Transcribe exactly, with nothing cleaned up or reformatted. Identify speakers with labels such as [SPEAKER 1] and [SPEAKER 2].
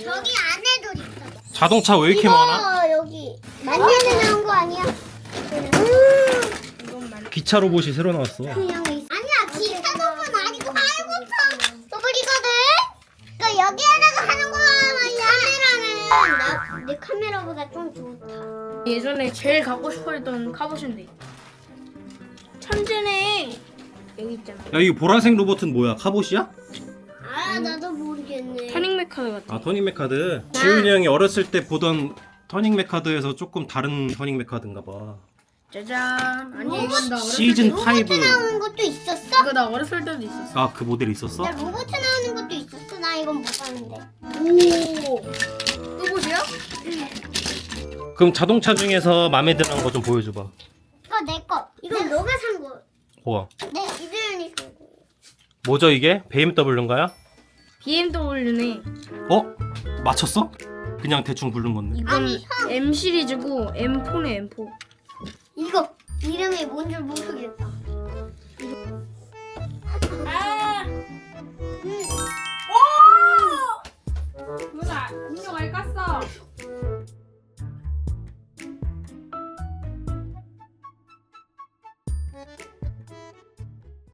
[SPEAKER 1] 저기 안에도 있어.
[SPEAKER 2] 자동차 왜 이렇게
[SPEAKER 1] 이거
[SPEAKER 2] 많아?
[SPEAKER 1] 여기 만년에 나온 거 아니야?
[SPEAKER 2] 기차 로봇이 새로 나왔어.
[SPEAKER 1] 그냥 있... 아니야 기차 부분 아니고 하이버터 로봇이거든. 그러니까 여기에다가 하는 거야 말이야. 카메라는 나, 내 카메라보다 좀 좋다.
[SPEAKER 3] 예전에 제일 갖고 싶어했던 카봇인데 천재네. 여기 있잖아.
[SPEAKER 2] 야, 이 보라색 로봇은 뭐야? 카봇이야?
[SPEAKER 1] 아 나도 모르겠네.
[SPEAKER 3] 터닝 메카드 같아.
[SPEAKER 2] 아, 터닝 메카드. 지훈이 형이 어렸을 때 보던 터닝 메카드에서 조금 다른 터닝 메카드인가 봐.
[SPEAKER 3] 짜잔. 아니 이건 나 어렸을
[SPEAKER 2] 시즌
[SPEAKER 3] 때
[SPEAKER 2] 오.
[SPEAKER 1] 로봇 나오는 것도 있었어?
[SPEAKER 3] 이거 나 어렸을 때도 있었어.
[SPEAKER 2] 아, 그 모델 있었어?
[SPEAKER 1] 나 로봇 나오는 것도 있었어. 나 이건 못 봤는데.
[SPEAKER 3] 오. 또 보세요?
[SPEAKER 2] 그럼 자동차 중에서 마음에 드는 거 좀 보여줘봐.
[SPEAKER 1] 이거 내 거. 이건 너가 산 거.
[SPEAKER 2] 우와.
[SPEAKER 1] 내 이들이 산 거.
[SPEAKER 2] 뭐죠 이게? 비엠더블유인가요?
[SPEAKER 3] 비엠더블유네.
[SPEAKER 2] 어? 맞췄어? 그냥 대충 부른 건데.
[SPEAKER 3] 이건
[SPEAKER 1] 아니, 형.
[SPEAKER 3] M 시리즈고 엠포네 엠포.
[SPEAKER 1] 이거 이름이 뭔지 모르겠다.